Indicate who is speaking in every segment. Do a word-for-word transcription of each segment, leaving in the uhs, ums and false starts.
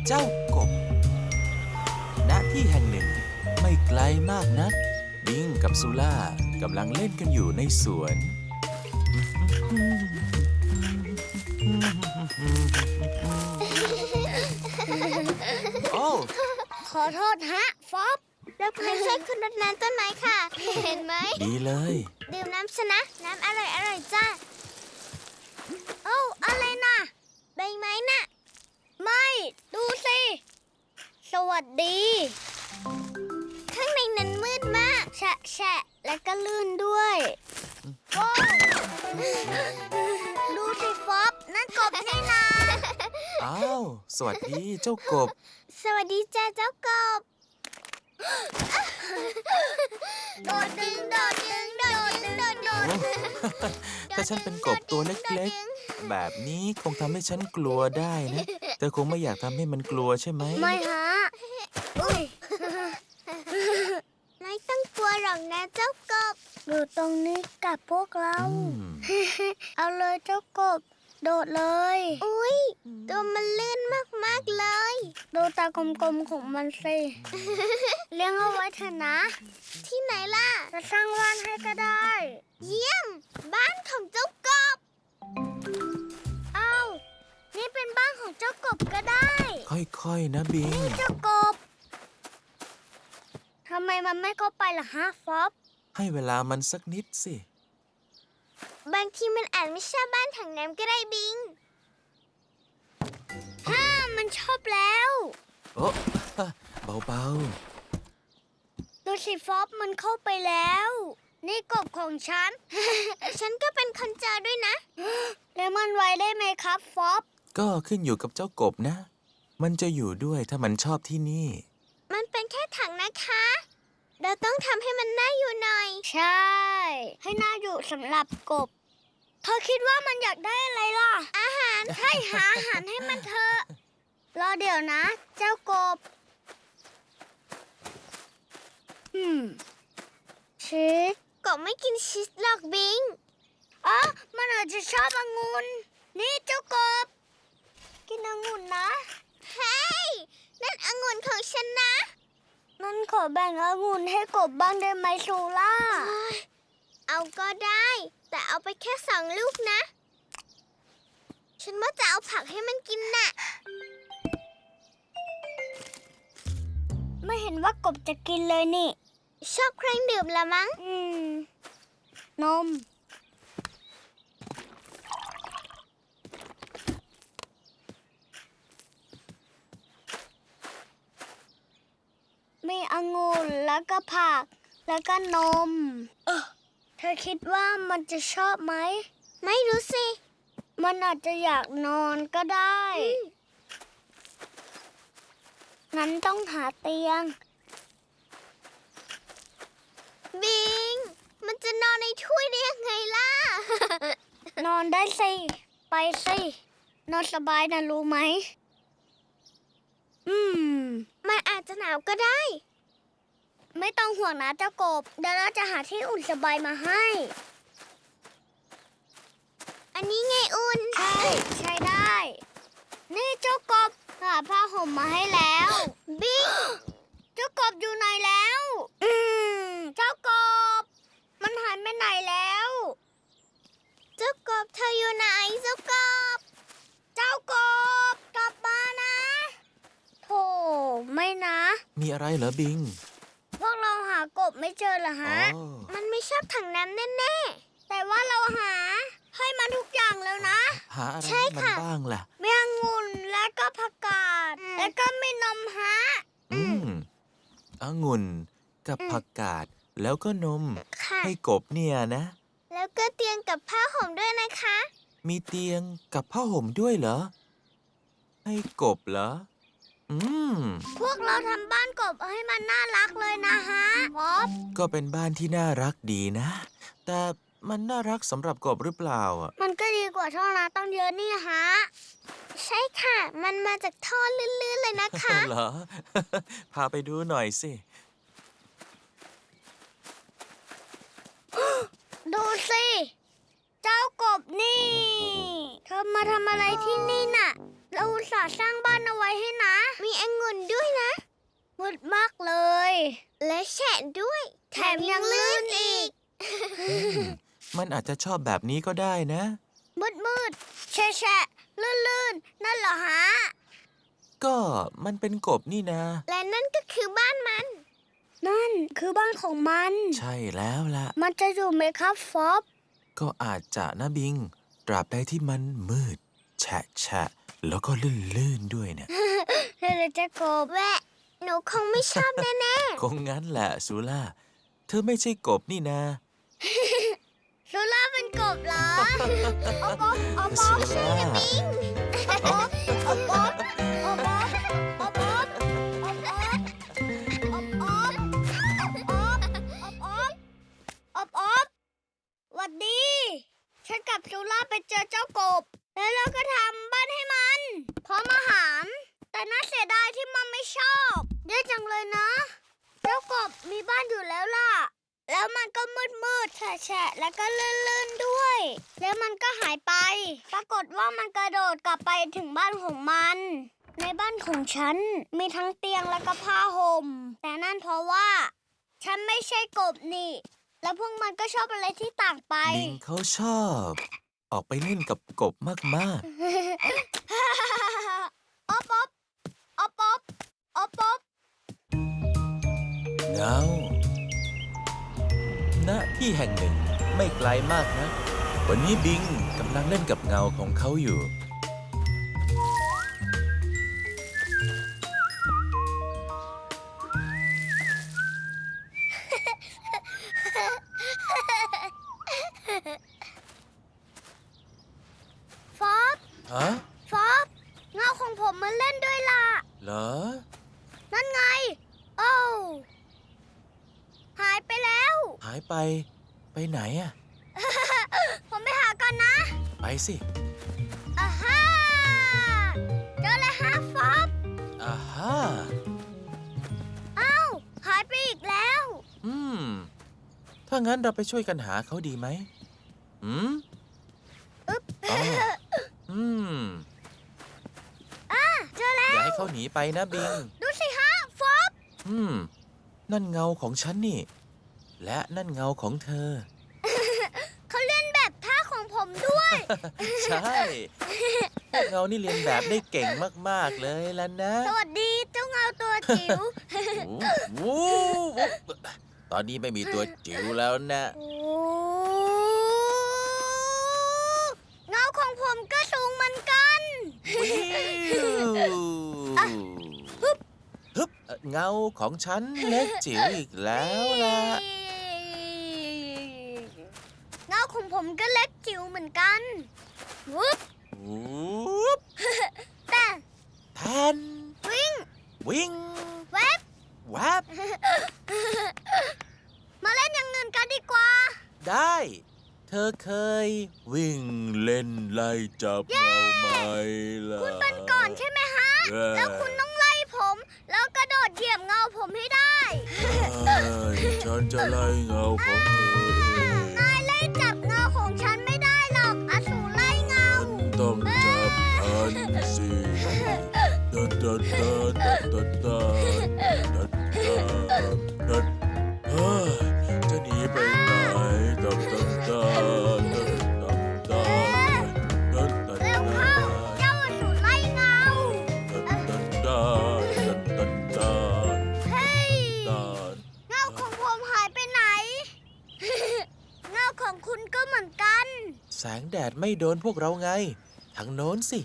Speaker 1: เจ้ากบณที่แห่งหนึ่งไม่ไกลมากนักบิงกับซูล่ากำลังเล่นกันอยู่ในสวนโอ้
Speaker 2: ขอโทษฮะฟอบเราเคยช่วยคุณรดน้ำต้นไม้ค่ะ เห็นไหม
Speaker 1: ดีเลย
Speaker 2: ดื่มน้ำชนะ น้ำอร่อยอร่อยจ้าโอ้อะไรน่ะ ใบไม้น่ะ ไม่ ดูสิ สวัสดี ข้างในนั้นมืดมาก แฉะแฉะและก็ลื่นด้วยว้าวดูสิฟอบนั่นกบนี่นา
Speaker 1: อ้าว สวัสดีเจ้ากบ
Speaker 2: สวัสดีจ้าเจ้ากบ โดดดึงโดดดึงโดดดึงโดดโดด
Speaker 1: ถ้าฉันเป็นกบตัวเล็กๆ แบบนี้คงทำให้ฉันกลัวได้นะเธอคงไม่อยากทำให้มันกลัวใช่ไหม
Speaker 2: ไม่ฮะอุ้ยไม่ต้องกลัวหรอกนะเจ้ากบอยู่ตรงนี้กับพวกเรา
Speaker 1: อืม
Speaker 2: เอาเลยเจ้ากบ โดดเลย อุ้ยตัวมันลื่นมากๆเลย ดูตากลมๆของมันสิ เลี้ยงเอาไว้เถอะนะ ที่ไหนล่ะ จะสร้างบ้านให้ก็ได้ เยี่ยม บ้านของเจ้ากบ เอานี่เป็นบ้านของเจ้ากบก็ได้
Speaker 1: ค่อยๆ นะบิง
Speaker 2: เจ้ากบ ทำไมมันไม่เข้าไปล่ะฮะฟอบ
Speaker 1: ให้เวลามันสักนิดสิ
Speaker 2: บางทีมันอาจไม่ใช่บ้านถังน้ำก็ได้บิงฮ่ามันชอบแล้ว
Speaker 1: โอ้ เบา
Speaker 2: ดูสิฟอบมันเข้าไปแล้ว นี่กบของฉัน ฉันก็เป็นคนเจอด้วยนะ แล้วมันไว้ได้ไหมครับฟอบ
Speaker 1: ๆ ก็ขึ้นอยู่กับเจ้ากบนะ มันจะอยู่ด้วยถ้ามันชอบที่นี่
Speaker 2: มันเป็นแค่ถังนะคะ เราต้องทำให้มันน่าอยู่หน่อย ใช่ ให้น่าอยู่สำหรับกบ เธอคิดว่ามันอยากได้อะไรล่ะ อาหาร ใช่หาอาหารให้มันเถอะ รอเดี๋ยวนะ เจ้ากบ อืม ชีสกบไม่กินชีสหรอกบิงอ๋อมันอาจจะชอบองุ่น นี่เจ้ากบ กินองุ่นนะ เฮ้ย นั่นองุ่นของฉันนะ นั่นขอแบ่งองุ่นให้กบบ้างได้ไหมซูล่า เอาก็ได้ แต่เอาไปแค่สองลูกนะ ฉันว่าจะเอาผักให้มันกินน่ะ ไม่เห็นว่ากบจะกินเลยนี่ ชอบเครื่องดื่มละมั้ง อืม นม มีองุ่นแล้วก็ผัก แล้วก็นม เออเธอคิดว่ามันจะชอบไหม ไม่รู้สิ มันอาจจะอยากนอนก็ได้ งั้นต้องหาเตียง บิง มันจะนอนในถ้วยได้ยังไงล่ะ นอนได้สิ ไปสิ นอนสบายนะรู้ไหม อืม มันอาจจะหนาวก็ได้ ไม่ต้องห่วงนะเจ้ากบ เดี๋ยวเราจะหาที่อุ่นสบายมาให้ อันนี้ไงอุ่น ใช่ ใช้ได้ นี่เจ้ากบหาผ้าห่มมาให้แล้ว บิง เจ้ากบอยู่ไหนแล้ว อืม เจ้ากบ มันหายไปไหนแล้ว เจ้ากบเธออยู่ไหนเจ้ากบ เจ้ากบกลับมานะโธ่ไม่นะ
Speaker 1: มีอะไรเหรอบิง
Speaker 2: พวกเราหากบไม่เจอเหรอ
Speaker 1: อ๋
Speaker 2: ฮะ
Speaker 1: อ
Speaker 2: มันไม่ชอบถังน้ำแน่ๆ แต่ว่าเราหาให้มันทุกอย่างแล้วนะ
Speaker 1: หาอะไร
Speaker 2: ใช่
Speaker 1: ให้มัน
Speaker 2: ค่ะ
Speaker 1: บ้างล่ะ
Speaker 2: มีองุ่นและก็ผักกาด แล้วก็มีนมฮะ
Speaker 1: อืมองุ่นกับผักกาดแล้วก็นม
Speaker 2: ค่ะ
Speaker 1: ให้กบเนี่ยนะ
Speaker 2: แล้วก็เตียงกับผ้าห่มด้วยนะคะ
Speaker 1: มีเตียงกับผ้าห่มด้วยเหรอ ให้กบเหรอ อืม
Speaker 2: พวกเราทำบ้านกบให้มันน่ารักเลยนะฮะพอบ
Speaker 1: ก็เป็นบ้านที่น่ารักดีนะ แต่มันน่ารักสำหรับกบหรือเปล่าอ่ะ
Speaker 2: มันก็ดีกว่าท่อน้ำต้องเยอะนี่ฮะ ใช่ค่ะ มันมาจากท่อลื่นๆเลยนะคะ
Speaker 1: เหรอ พาไปดูหน่อยสิ
Speaker 2: ดูสิ เจ้ากบนี่ เธอมาทำอะไรที่นี่น่ะเราอุตส่าห์สร้างบ้านเอาไว้ให้นะ มีองุ่นด้วยนะมืดมากเลย และแฉะด้วย แถมยังลื่นอีก
Speaker 1: มันอาจจะชอบแบบนี้ก็ได้นะ
Speaker 2: มืดมืดแฉะแฉะลื่นลื่นนั่นเหรอฮะ
Speaker 1: ก็มันเป็นกบนี่นะ
Speaker 2: และนั่นก็คือบ้านมัน นั่นคือบ้านของมัน
Speaker 1: ใช่แล้วล่ะ
Speaker 2: มันจะอยู่ไหมครับฟอบ
Speaker 1: ก็อาจจะนะบิง ตราบใดที่มันมืด แฉะแฉะแล้วก็ลื่นๆด้วยเนี่ย
Speaker 2: เราจะกบแวะ หนูคงไม่ชอบแน่
Speaker 1: คงงั้นแหละซูล่า เธอไม่ใช่กบนี่นะ
Speaker 2: ๆซูล่าเป็นกบเหรอเอาป๊อปเอาป๊อ
Speaker 1: ซู
Speaker 2: ปชื่อ
Speaker 1: ล่า
Speaker 2: นะบิงเอาป๊อปเอาป๊อปเอาป๊อปเอาป๊อปเอาป๊อปเอาป๊อปเอาป๊อปเอาป๊อปหวัดดี ฉันกับซูล่าไปเจอเจ้ากบ แล้วเราก็ทำบ้านให้มันพร้อมอาหาร แต่น่าเสียดายที่มันไม่ชอบแย่จังเลยนะ เจ้ากบมีบ้านอยู่แล้วล่ะ แล้วมันก็มืดมืดแฉะแฉะแล้วก็ลื่นๆด้วย แล้วมันก็หายไป ปรากฏว่ามันกระโดดกลับไปถึงบ้านของมัน ในบ้านของฉันมีทั้งเตียงและก็ผ้าห่ม แต่นั่นเพราะว่า ฉันไม่ใช่กบนี่ แล้วพวกมันก็ชอบอะไรที่ต่างไป
Speaker 1: บิงเขาชอบ ออกไปเล่นกับกบมาก
Speaker 2: อ๊อบอ๊อบอ๊อบอ๊อบอ๊อบอ๊อบ
Speaker 1: ๆ เงา ณ ที่แห่งหนึ่งไม่ไกลมากนะ วันนี้บิงกำลังเล่นกับเงาของเขาอยู่
Speaker 2: ฟอบ
Speaker 1: ฮะ
Speaker 2: ฟอบเงาของผมมันเล่นด้วยล่ะ
Speaker 1: เหรอ
Speaker 2: นั่นไง โอ้วหายไปแล้ว
Speaker 1: หายไป ไปไหนอะ
Speaker 2: ผมไปหาก่อนนะ
Speaker 1: ไปสิ
Speaker 2: อ่าฮ่าเจอเลยฮะฟอบ
Speaker 1: อ่าฮ่า
Speaker 2: อ้าวหายไปอีกแล้ว
Speaker 1: อืม ถ้างั้นเราไปช่วยกันหาเขาดีไหมอืม
Speaker 2: อึ๊บ
Speaker 1: อ๋ออืม
Speaker 2: อ่าเจอแล้
Speaker 1: อย่าว ให้เขาหนีไปนะบิง
Speaker 2: ดูสิฮะฟอบ
Speaker 1: อืม นั่นเงาของฉันนี่ และนั่นเงาของเธอ
Speaker 2: เขาเล่นแบบท่าของผมด้วย
Speaker 1: ใช่พวกเงานี่เรียนแบบได้เก่งมาก ๆ เลยล่ะนะ
Speaker 2: สวัสดีเจ้าเงาตัวจิ๋ว
Speaker 1: วู้วู้ตอนนี้ไม่มีตัวจิ๋วแล้วนะ
Speaker 2: โอ้เงาของผมก็สูงเหมือนกัน
Speaker 1: วิวฮึบฮึบเงาของฉันเล็กจิ๋วอีกแล้วล่ะ
Speaker 2: เงาของผมก็เล็กจิ๋วเหมือนกันวุ๊บ
Speaker 1: วูบ
Speaker 2: แต่
Speaker 1: แทน
Speaker 2: วิ่ง
Speaker 1: วิ่ง
Speaker 2: เวบ
Speaker 1: แวบ
Speaker 2: มาเล่นอย่างอื่นกันดีกว่า
Speaker 1: ได้ เธอเคย วิ่งเล่นไล่จับเงาไหมล่ะ
Speaker 2: คุณเป็นก่อนใช่ไหมฮะ
Speaker 1: เย้
Speaker 2: แล้วคุณต้องไล่ผม แล้วกระโดดเหยียบเงาผมให้ได้
Speaker 1: ใช่ฉันจะไล่เงาของเธอเอง
Speaker 2: นายไล่จับเงาของฉันไม่ได้หรอกอสูรไล่เงา
Speaker 1: ฉันต้องจับทันสิดัดดัดดัดดัดดัดดัดดัดดัดเฮ้ยจะหนีไปไหนดัดดัดดัดดัดดัดดัดดัด
Speaker 2: เร็วเข้า เจ้าอสูรไล่เงา
Speaker 1: ดัดดัดดัดดัดดัด
Speaker 2: เฮ้ย
Speaker 1: ดัด
Speaker 2: เงาของผมหายไปไหน เงาของคุณก็เหมือนกัน
Speaker 1: แสงแดดไม่โดนพวกเราไง ทางโน้นสิ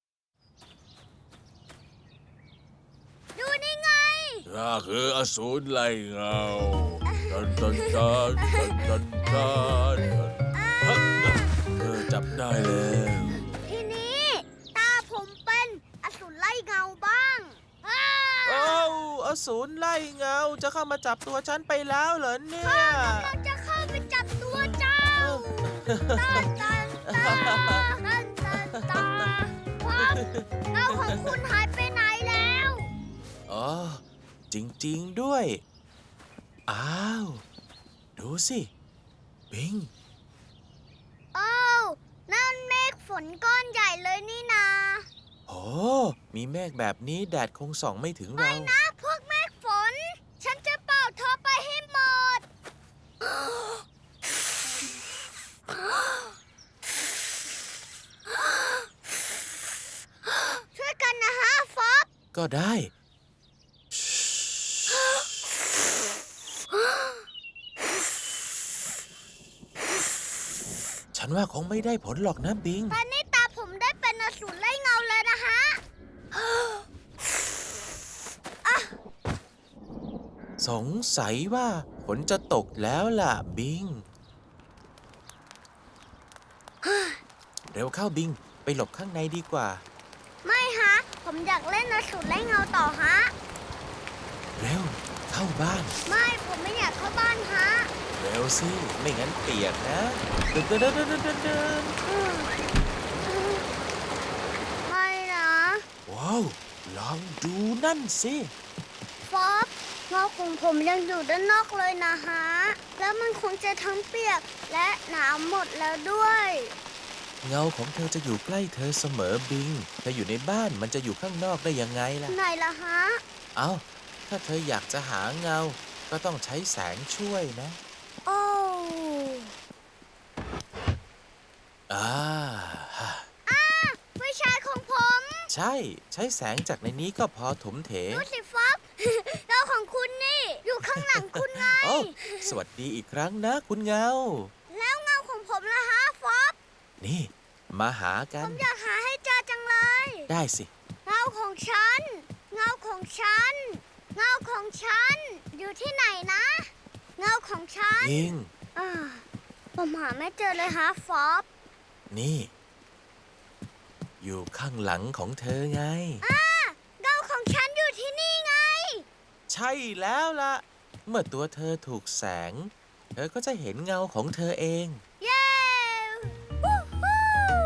Speaker 2: ดูนี่ไง
Speaker 1: ข้าคืออสูรไล่เงาดันดันดันดันดันดันเออจับได้แล้ว
Speaker 2: ทีนี้ตาผมเป็นอสูรไล่เงาบ้างอ้า
Speaker 1: โอ้อสูรไล่เงาจะเข้ามาจับตัวฉันไปแล้วเหรอเนี่ย
Speaker 2: เราจะเข้าไปจับตัวเจ้าตันตันตาตันตันตาครับเงาของคุณหายไปไหนแล้ว
Speaker 1: อ๋อ จริงๆด้วย อ้าว ดูสิ บิง
Speaker 2: อ้าวนั่นเมฆฝนก้อนใหญ่เลยนี่นา
Speaker 1: โหโอ้มีเมฆแบบนี้แดดคงส่องไม่ถึง
Speaker 2: ไม่
Speaker 1: เรา
Speaker 2: นะพวกเมฆฝน ฉันจะเป่าเธอไปให้หมด ช่วยกันนะฮะฟอบ
Speaker 1: ก็ได้ ฉันว่าคงไม่ได้ผลหรอกนะบิง
Speaker 2: ตอนนี้ตาผมได้เป็นอสูรไล่เงาเลยนะฮะ
Speaker 1: สงสัยว่าฝนจะตกแล้วล่ะบิง เร็วเข้าบิง ไปหลบข้างในดีกว่า
Speaker 2: ไม่ฮะ ผมอยากเล่นอสูรไล่เงาต่อฮะ
Speaker 1: เร็ว เข้าบ้าน
Speaker 2: ไม่ผมไม่อยากเข้าบ้านฮะ
Speaker 1: เร็วสิ ไม่งั้นเปียกนะเดินเดินเดินเดินเดินเดิน
Speaker 2: ไม่นะ
Speaker 1: ว้าว ลองดูนั่นสิ
Speaker 2: ฟอบเงาของผมยังอยู่ด้านนอกเลยนะฮะ แล้วมันคงจะทั้งเปียกและหนาวหมดแล้วด้วย
Speaker 1: เงาของเธอจะอยู่ใกล้เธอเสมอบิง เธออยู่ในบ้านมันจะอยู่ข้างนอกได้ยังไงล่ะ
Speaker 2: ไหนล่ะฮะ
Speaker 1: เอาถ้าเธออยากจะหาเงา ก็ต้องใช้แสงช่วยนะ
Speaker 2: โอ้
Speaker 1: อ่า
Speaker 2: อาไฟฉายของผม
Speaker 1: ใช่ ใช้แสงจากในนี้ก็พอถมเถ
Speaker 2: ดูสิฟอบ เงาของคุณนี่ อยู่ข้างหลังคุณไง
Speaker 1: โอ้สวัสดีอีกครั้งนะคุณเงา
Speaker 2: แล้วเงาของผมล่ะฮะฟอบ
Speaker 1: นี่ มาหากั
Speaker 2: ผ
Speaker 1: น
Speaker 2: มอยากหาให้เจอจังเลย
Speaker 1: ได้สิ
Speaker 2: เงาของฉัน เงาของฉัน เงาของฉัน อยู่ที่ไหนนะ เงาของฉัน
Speaker 1: บิง
Speaker 2: อ่าผมหาไม่เจอเลยฮะฟอบ
Speaker 1: นี่ อยู่ข้างหลังของเธอไง
Speaker 2: อ่าเงาของฉันอยู่ที่นี่ไง
Speaker 1: ใช่แล้วล่ะ เมื่อตัวเธอถูกแสง เธอก็จะเห็นเงาของเธอเอง
Speaker 2: เย้วู้ฮู้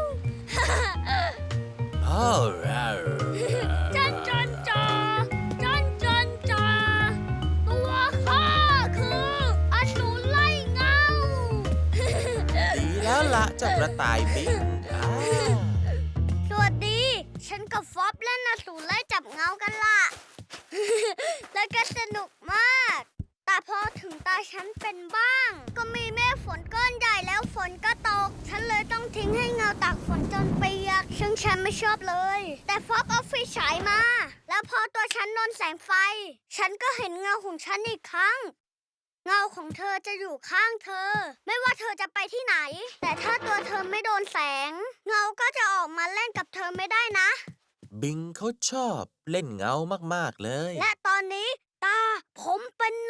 Speaker 1: โอ้
Speaker 2: จันจันจาจันจันจาตัวข้าคืออสูรไล่เงา
Speaker 1: ดีแล้วล่ะเจ้ากระต่ายบิงอ่า
Speaker 2: สวัสดี ฉันกับฟอบเล่นอสูรไล่จับเงากันล่ะ แล้วก็สนุกมาก แต่พอถึงตาฉันเป็นบ้าง ก็มีเมฆฝนก้อนใหญ่แล้วฝนก็ตก ฉันเลยต้องทิ้งให้เงาตากฝนจนเปียกซึ่งฉันไม่ชอบเลย แต่ฟอบเอาไฟฉายมา แล้วพอตัวฉันโดนแสงไฟ ฉันก็เห็นเงาของฉันอีกครั้ง เงาของเธอจะอยู่ข้างเธอ ไม่ว่าเธอจะไปที่ไหน แต่ถ้าตัวเธอไม่โดนแสง เงาก็จะออกมาเล่นกับเธอไม่ได้นะ
Speaker 1: บิงเขาชอบเล่นเงามากๆเลย
Speaker 2: และตอนนี้ตาผมเป็นนะ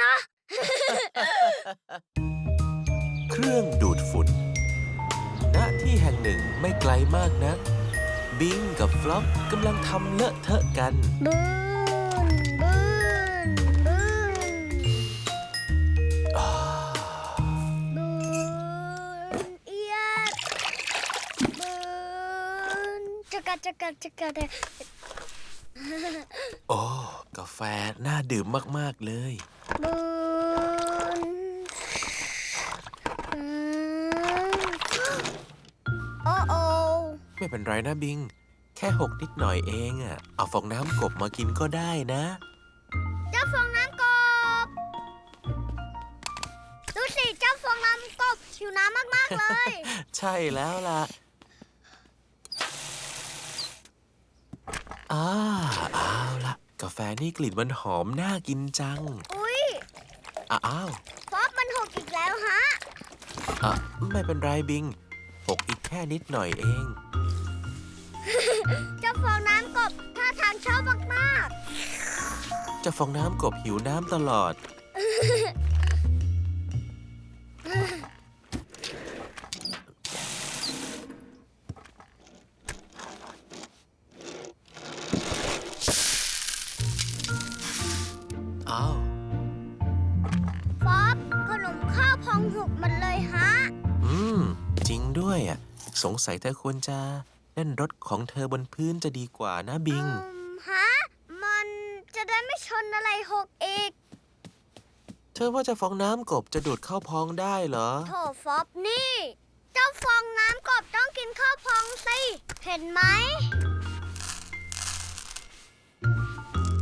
Speaker 1: เครื่องดูดฝุ่น ณ ที่แห่งหนึ่งไม่ไกลมากนัก บิงกับฟลอปกำลังทำเลอะเทอะกัน
Speaker 2: บืนบืนบืน
Speaker 1: อ่า
Speaker 2: บืนเอียดบืนจักรจักรจักร
Speaker 1: โอ้ กาแฟน่าดื่มมาก ๆ เลย
Speaker 2: บืนอืมโอ้โอ
Speaker 1: ไม่เป็นไรนะบิง แค่หกนิดหน่อยเองอะเอาฟองน้ำกบมากินก็ได้นะ
Speaker 2: เจ้าฟองน้ำกบ ดูสิเจ้าฟองน้ำกบหิวน้ำมากๆเลย
Speaker 1: ใช่แล้วล่ะอ่าเอาล่ะ กาแฟนี่กลิ่นมันหอมน่ากินจัง
Speaker 2: อุ๊ย
Speaker 1: อ้าว
Speaker 2: ฟอบมันหกอีกแล้วฮะ
Speaker 1: อ่ะไม่เป็นไรบิงหกอีกแค่นิดหน่อยเอง
Speaker 2: เจ้าฟองน้ำกบท่าทางชอบมาก
Speaker 1: เจะฟองน้ำกบหิวน้ำตลอด อ้าว
Speaker 2: ๆ ฟอบขนมข้าวพองหกหมันเลยฮะ
Speaker 1: อืม จริงด้วยอ่ะ สงสัยเธอควรจะเล่นรถของเธอบนพื้นจะดีกว่านะบิง
Speaker 2: อืมฮะ มันจะได้ไม่ชนอะไรหกอีก
Speaker 1: เธอว่าเจะฟองน้ำกบจะดูดเข้าพองได้เหรอ
Speaker 2: โถฟอบนี่ เจ้าฟองน้ำกบต้องกินข้าวพองสิ เห็นไหม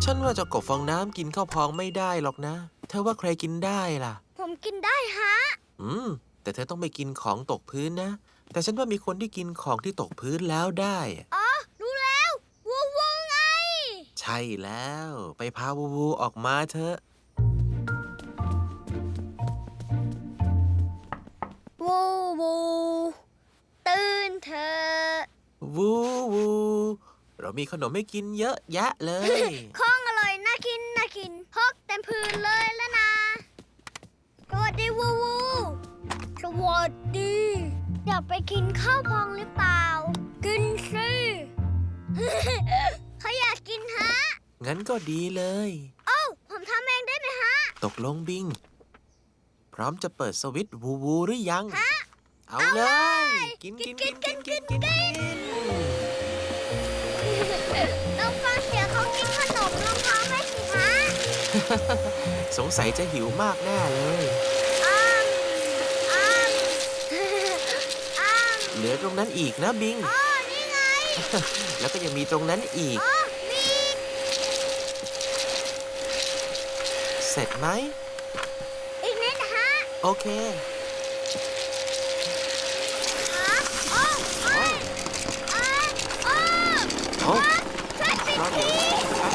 Speaker 3: ฉันว่าเจ้ากบฟองน้ำกินข้าวพองไม่ได้หรอกนะ เธอว่าใครกินได้ล่ะ
Speaker 2: ผมกินได้ฮะ
Speaker 3: อืม แต่เธอต้องไม่กินของตกพื้นนะ แต่ฉันว่ามีคนที่กินของที่ตกพื้นแล้วได้
Speaker 2: อ๋อ รู้แล้ววูวูไง
Speaker 3: ใช่แล้ว ไปพาวูวูออกมาเถอะ
Speaker 2: วูวูตื่นเถอะ
Speaker 3: วูวู เรามีขนมให้กินเยอะแยะเลย
Speaker 2: ของอร่อยน่ากินน่ากินพกเต็มพื้นเลยแล้วนะ สวัสดีวูวู สวัสดี อยากไปกินข้าวพองหรือเปล่า กินสิ เขาอยากกินฮะ
Speaker 3: งั้นก็ดีเลย
Speaker 2: โอ้าผมทำเองได้ไหมฮะ
Speaker 3: ตกลงบิง พร้อมจะเปิดสวิตช์วูวูหรือยัง
Speaker 2: ฮะ
Speaker 3: เอาเลย กินกินกินกินกินกินกิน
Speaker 2: ลองฟังเสียงเขากินขนมลองท้องไหมสิฮะ
Speaker 3: สงสัยจะหิวมากแน่เลย
Speaker 2: อ้ามอ้ามอ้าม
Speaker 3: เหลือตรงนั้นอีกนะบิง
Speaker 2: อ๋อนี่ไง
Speaker 3: แล้วก็ยังมีตรงนั้นอีก
Speaker 2: อ๋อมี
Speaker 3: เสร็จไหม
Speaker 2: อีกนิดฮะ
Speaker 3: โอเค
Speaker 2: ฮะโอ้โอ้ยอ่าโอ้
Speaker 3: โอ้
Speaker 2: ช่วยปิด
Speaker 3: รอ
Speaker 2: ที
Speaker 3: เดี๋ยว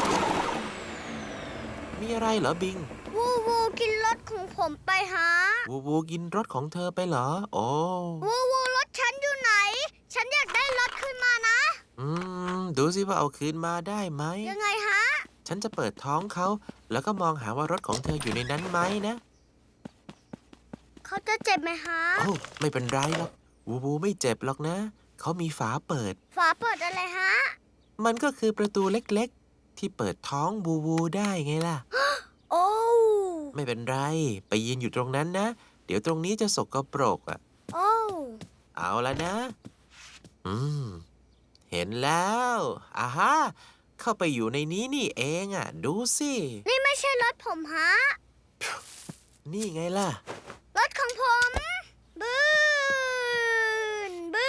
Speaker 3: มีอะไรเหรอบิง
Speaker 2: วูวูกินรถของผมไปฮะ
Speaker 3: วูวูกินรถของเธอไปเหรอ โอ้
Speaker 2: วูวูรถฉันอยู่ไหน ฉันอยากได้รถขึ้นมานะ
Speaker 3: อืม ดูสิว่าเอาคืนมาได้ไหม
Speaker 2: ยังไงฮะ
Speaker 3: ฉันจะเปิดท้องเขา แล้วก็มองหาว่ารถของเธออยู่ในนั้นไหมนะ
Speaker 2: เขาจะเจ็บไหมฮะ
Speaker 3: โอ้ไม่เป็นไรหรอก วูวูไม่เจ็บหรอกนะ เขามีฝาเปิด
Speaker 2: ฝาเปิดอะไรฮะ
Speaker 3: มันก็คือประตูเล็กๆ ที่เปิดท้องวูวูได้ไงล่ะ
Speaker 2: โอ้
Speaker 3: ไม่เป็นไร ไปยืนอยู่ตรงนั้นนะ เดี๋ยวตรงนี้จะสกปรกอ่ะ
Speaker 2: โอ้
Speaker 3: เอาละนะ อืม เห็นแล้วอ่าฮะ เข้าไปอยู่ในนี้นี่เองอ่ะ ดูสิ
Speaker 2: นี่ไม่ใช่รถผมฮะ
Speaker 3: นี่ไงล่ะ
Speaker 2: รถของผมบืนบื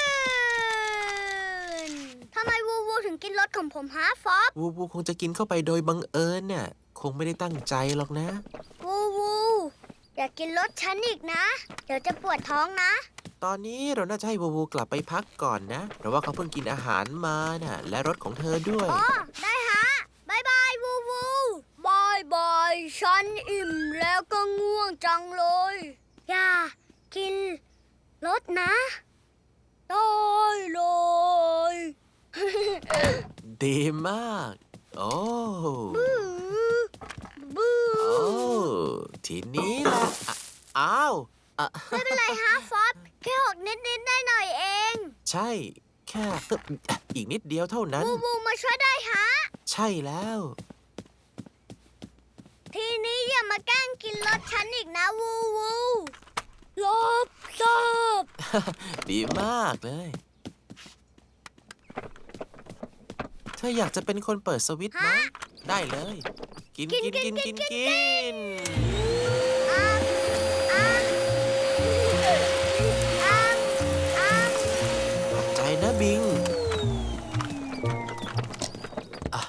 Speaker 2: นทำไมวูวูถึงกินรถของผมฮะฟอบ
Speaker 3: วูวูคงจะกินเข้าไปโดยบังเอิญน่ะ คงไม่ได้ตั้งใจหรอกนะ
Speaker 2: วูวูอย่ากินรถฉันอีกนะ เดี๋ยวจะปวดท้องนะ
Speaker 3: ตอนนี้เราน่าจะให้วูวูกลับไปพักก่อนนะ เพราะว่าเขาเพิ่งกินอาหารมาน่ะ และรถของเธอด้วย
Speaker 2: อ๋อ ได้ฮะบายบายวูวูบายบายฉันอิ่มแล้วก็ง่วงจังเลย อย่ากินรถนะได้เลย
Speaker 3: ดีมาก โอ้
Speaker 2: บื้อบื้อ
Speaker 3: โอ้ ทีนี้ล่ะอ่ะอ้าวอ่ะ
Speaker 2: ไม่เป็นไรฮะฟอบแค่หกนิดนิดได้หน่อยๆเอง
Speaker 3: ใช่ แค่ตึ๊บอีกนิดเดียวเท่านั้น
Speaker 2: วูวูมาช่วยได้ฮะ
Speaker 3: ใช่แล้ว
Speaker 2: ทีนี้อย่ามาแกล้งกินรถฉันอีกนะวูวูลบซอบ
Speaker 3: ดีมากเลย เธออยากจะเป็นคนเปิดสวิตช์ไหม ได้เลย กินกินกินกินกิน
Speaker 2: อ้ามอ้ามอ้ามอ้าม
Speaker 3: ขอบใจนะบิง อ่ะ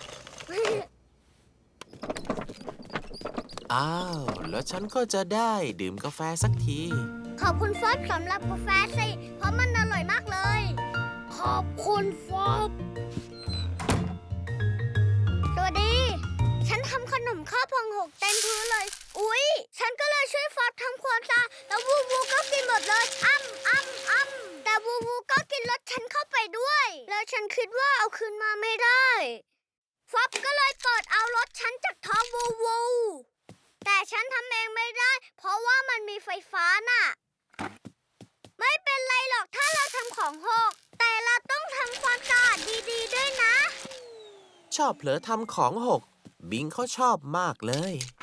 Speaker 3: อ้าว แล้วฉันก็จะได้ดื่มกาแฟสักที
Speaker 2: ขอบคุณฟอบสำหรับกาแฟสิ เพราะมันอร่อยมากเลย ขอบคุณฟอบสวัสดี ฉันทำขนมข้าวพองหกเต็มพื้นเลย อุ๊ย ฉันก็เลยช่วยฟอบทำความสะอาดแล้ววูวูก็กินหมดเลย อ้ำอ้ำอ้ำแต่วูวูก็กินรถฉันเข้าไปด้วย แล้วฉันคิดว่าเอาคืนมาไม่ได้ ฟอบก็เลยเปิดเอารถฉันจากท้องวูวู แต่ฉันทำเองไม่ได้ เพราะว่ามันมีไฟฟ้าน่ะ ไม่เป็นไรหรอกถ้าเราทำของหก แต่เราต้องทำความสะอาดดีๆด้วยนะ
Speaker 3: ชอบเผลอทำของหก บิงเขาชอบมากเลย